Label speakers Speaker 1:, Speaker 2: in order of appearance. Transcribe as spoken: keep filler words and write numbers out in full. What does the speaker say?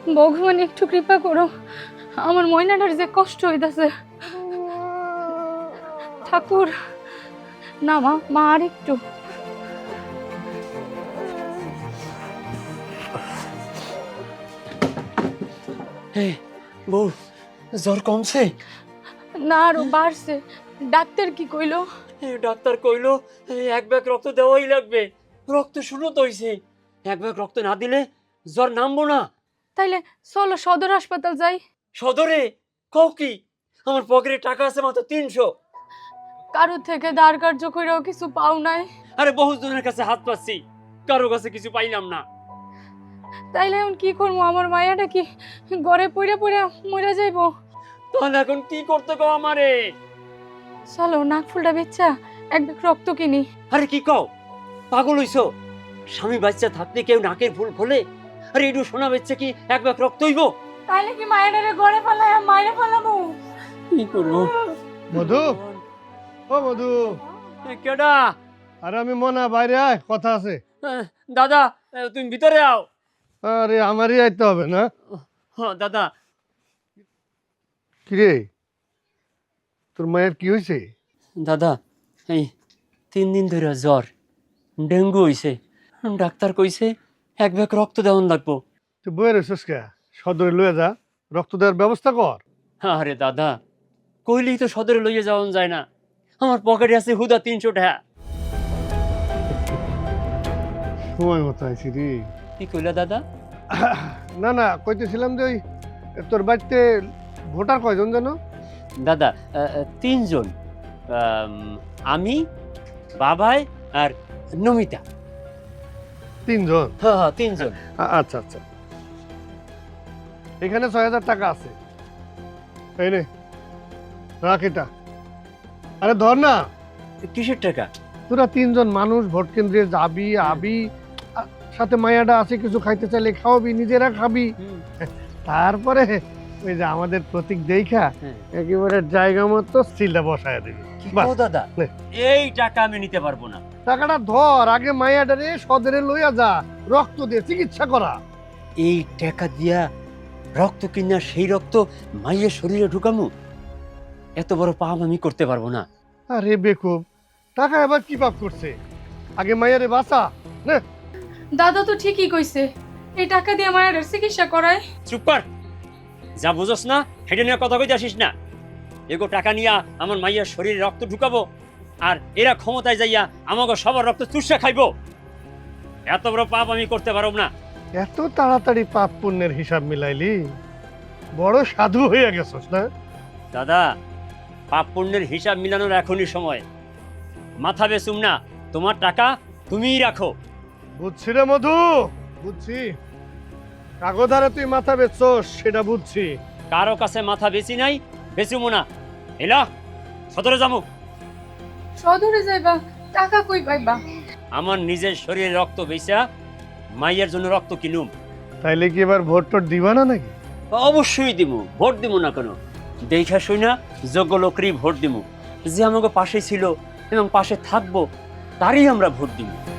Speaker 1: ভগবান একটু কৃপা করো, আমার ময়নাটার যে কষ্ট হইতাছে। ঠাকুর, না মা, মা আর একটু।
Speaker 2: বউ, জ্বর কমছে?
Speaker 1: না, আরো বাড়ছে। ডাক্তার কি কইলো?
Speaker 2: ডাক্তার কইলো এক ব্যাগ রক্ত দেওয়াই লাগবে। রক্ত শূন্য হইছে, এক ব্যাগ রক্ত না দিলে জ্বর নামবো না।
Speaker 1: তাইলে চলো সদর হাসপাতাল যাই।
Speaker 2: সদরে? কও কি? আমার পকেটে টাকা আছে মাত্র তিনশো।
Speaker 1: কারো থেকে ধার কার্য কইরাও কিছু পাও নাই?
Speaker 2: আরে বহু জনের কাছে হাত পাচ্ছি, কারো কাছে কিছু পাইলাম না।
Speaker 1: তাইলে এখন কি করবো? আমার মায়াটা কি ঘরে পড়ে পড়ে মরে যাইবো?
Speaker 2: তাহলে এখন কি করতে কও আমারে?
Speaker 1: চলো নাক ফুলটা বেচ্চা এক ব্যাগ রক্ত কিনি।
Speaker 2: আরে কি কও, পাগল হইছো? স্বামী বাচ্চা থাকতে কেউ নাকের ফুল খোলে? আরে একটু সোনা বেচছে কি এক ব্যাগ রক্ত হইব?
Speaker 1: তাইলে কি মায়াটারে ঘরে ফেলায় মাইরে ফেলাবো?
Speaker 2: কি করবো?
Speaker 3: মধু, ও মধু।
Speaker 2: কেডা?
Speaker 3: আরে আমি মনা, বাইরে আয়, কথা আছে।
Speaker 2: আহ, দাদা, আহ, তুমি ভিতরে আও।
Speaker 3: আরে আমারই আইতে হবে না?
Speaker 2: হ্যাঁ দাদা।
Speaker 3: কিরে, তোর মায়ের কি হয়েছে?
Speaker 2: দাদা, এই তিন দিন ধরে জ্বর, ডেঙ্গু হইছে। ডাক্তার কইছে এক ব্যাগ রক্ত দেওয়ান লাগবো।
Speaker 3: তুই বইয়ের হইছিস কে? সদরে লয়ে যা, রক্ত দেওয়ার ব্যবস্থা কর।
Speaker 2: আরে দাদা, কইলেই তো সদরে লইয়ে যাওয়া যায় না। আমার পকেটে আছে হুদা তিনশো টাকা।
Speaker 3: সময় মতো আইছি রে।
Speaker 2: কি কইলা দাদা?
Speaker 3: না না, কইতেছিলাম যে ওই তোর বাড়িতে ভোটার কয়জন জানো?
Speaker 2: দাদা, আহ, আহ, তিনজন। আম, আমি, বাবাই আর নমিতা।
Speaker 3: তিনজন?
Speaker 2: হ্যাঁ হ্যাঁ তিনজন।
Speaker 3: আ- আচ্ছা আচ্ছা, এখানে ছয় হাজার টাকা আছে, এই নে রাখ এটা। আরে ধর না,
Speaker 2: কিসের টাকা?
Speaker 3: তোরা তিনজন মানুষ ভোট কেন্দ্রে যাবি আবি, আ- সাথে মায়াটা আছে, কিছু খাইতে চাইলে খাওয়াবি, নিজেরা খাবি, তারপরে ওই যে আমাদের প্রতীক দেখা
Speaker 2: হ্যাঁ।
Speaker 3: একেবারে জায়গা মতো স্টিলটা বসায় দিবি। বাস।
Speaker 2: ও দাদা,
Speaker 3: নে।
Speaker 2: এই টাকা আমি নিতে পারবো না।
Speaker 3: টাকাটা ধর, আগে মায়াটারে সদরে লইয়া যা, রক্ত দিয়ে চিকিৎসা করা।
Speaker 2: এই টাকা দিয়া রক্ত কিনা সেই রক্ত মাইয়ের শরীরে ঢুকামু? এত বড় পাপ আমি করতে পারবো না।
Speaker 3: আরে বেকুব, টাকা এবার কি পাপ করছে? আগে মায়ারে বাঁচা। নে।
Speaker 1: দাদা তো ঠিকই কইছে, এই টাকা দিয়ে মায়ের চিকিৎসা করায়।
Speaker 2: চুপ কর, যা বুঝোস না সেটা নিয়ে কথা কইতে আসিস না। এগো টাকা নিয়া আমার মাইয়ার শরীরে রক্ত ঢুকাবো, আর এরা ক্ষমতায় যাইয়া আমাকে সবার রক্ত চুষা খাইবো। এত বড় পাপ আমি করতে পারব না।
Speaker 3: এত তাড়াতাড়ি পাপ পুণ্যের হিসাব মিলাইলি? বড় সাধু হইয়া গেছস না?
Speaker 2: দাদা, পাপ পুণ্যের হিসাব মিলানোর এখনই সময়। মাথা বেচুম না, তোমার টাকা তুমিই রাখো।
Speaker 3: বুঝছি রে মধু, বুঝছি। কাগধারে তুই মাথা বেচছস সেটা বুঝছি।
Speaker 2: কারো কাছে মাথা বেচি নাই, বেচুমো না। এলা সদরে যাবো।
Speaker 1: সদরে যাইবা? টাকা কই পাইবা?
Speaker 2: আমার নিজের শরীরে রক্ত বেচা মাইয়ের জন্য রক্ত কিনুম।
Speaker 3: তাইলে কি এবার ভোট টোট দিবা না নাকি?
Speaker 2: অবশ্যই দিমু, ভোট দিমু না কেন? দেখা শুই না যোগ্য লোকেরই ভোট দিমু। যে আমাকে পাশে ছিল এবং পাশে থাকবো তারই আমরা ভোট দিমু।